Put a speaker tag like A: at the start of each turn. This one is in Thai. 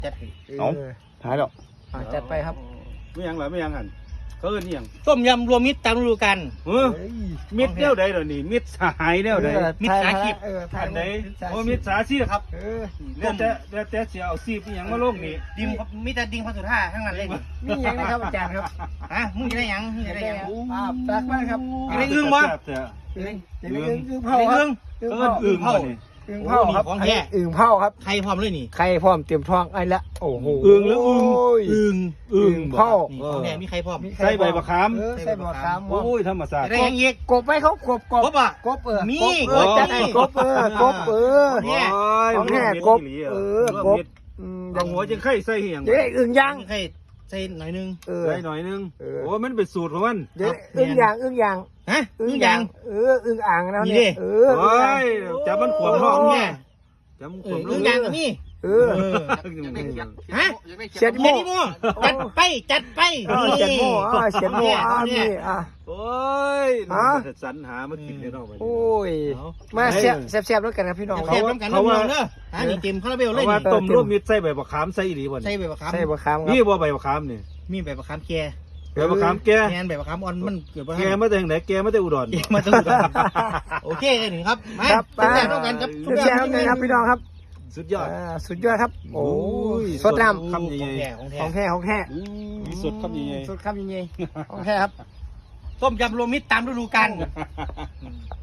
A: จัด
B: เอาท้ายแล้ว
C: จัดไปครับ
D: ไม่ยังหรอไม่ยังหันเขาเอิ้นนี่ยัง
A: ต้มยำรวมมิตรตามฤดูกาล
D: มิดแนวใดเหรอนี่มิดสหายแนวใด
A: มิตรสาชีพ
D: อันใดโอ้มิดสาชีพครับ
C: เออ
D: แล้วแต่เสียเอาซีบยังมาลงนี่
A: ดิมมิตรดิงพระสุธาทั้งนั้นเลยนี่
C: นี่ยังนะครับอาจารย์ครับ
A: ฮะมึงจะได้หยังมึงจะได้หยัง
C: ตักมากครับ
A: จะได้อึ้งวะ
C: อึ่งเผา
A: ได้
C: ครับ
A: อึ้ง
D: เอิ้นอึ่งบ่นี่
C: อึ่งเผาครับ
A: ของแท้
C: อึ่งเผาครับ
A: ใครพร้อมเลยนี่
C: ไข่พร้อมเตรียมท้องไอ้ละโอ้โห
D: อึ่งหรืออึ่ง
A: อึ้ง
D: อึ่ง
C: เผา
A: นี่ของแท้มีใครพร้อม
D: ใส่ใบมะขาม
C: ใส่ใบมะขาม
D: โอ้ยธรรมศาสต
A: จะ
D: ร์
A: ได้หยังอีก
C: กบไปเขากบ
A: ครบอ่ะ
C: กบ
A: มี
C: กบจัดให้กบกบ
A: เนี่ย
C: ของแท้กบกบ
D: บางหัวจังไข่ใส่เหียง
C: เดี๋ยวอึ่งย่าง
A: ใครใส่หน่อยนึง
D: ใส่หน่อยนึงโอ้มันเป็นสูตรของมัน
C: เดี๋ยวอึ่งย่างอึ่งย่าง
A: ฮะอึ้งยัง
C: อึ่งอ่างแล้ว
A: นี่
C: เนี่ย
A: ดิ
D: โอ้ยจับมันขวมท้อง
A: เนี่
D: เนี่ย ยจับมันขวม
A: อึ้งยังก็มี ฮะ
C: เช็ดโม่
A: เจ็ดโมจัดไปจัดไป
C: เช็ดโม่เช็ดโม่นี่
D: โอ้ยสรรหามากินเนี่ยเนาะ
C: โอ้ยมาแซ่บๆแล้วกันครับพี่น้อง
A: เทปน้ำกันน้ำมันเนอะนี่เต็มคาราเบลเลย
D: ว่า
A: นี่
D: ต้มรวมมิตรใส่ใบมะขามใส่ดีบ่
A: ใส่
D: นี่
A: ใบมะขาม
C: ใส่บะขามค
D: นี่
C: รับ
D: บ่ใบมะขามนี่
A: มีใบมะขามแก่
D: ใบมะขามแก่
A: แกนใบมะขามอ่อนมันเกิดมา
D: แก่มาแต่ไหนแก่มาแต่อุดร
A: มาตั้งโอเคเลยหนึ่งครับมา
C: ครับ
A: แซ่บๆต้องกันครับ
C: แซ่บๆกันครับพี่น้องครับ
D: สุดยอด
C: สุดยอดครับโอ้ยสดน้ำ
D: คำใหญ่
A: ของแท้
C: ของแท้
D: ๆมีสดคำใหญ่
C: สดคำยังไงของแท้ครับ
A: ต้มยำรวมมิตรตามฤดูกาล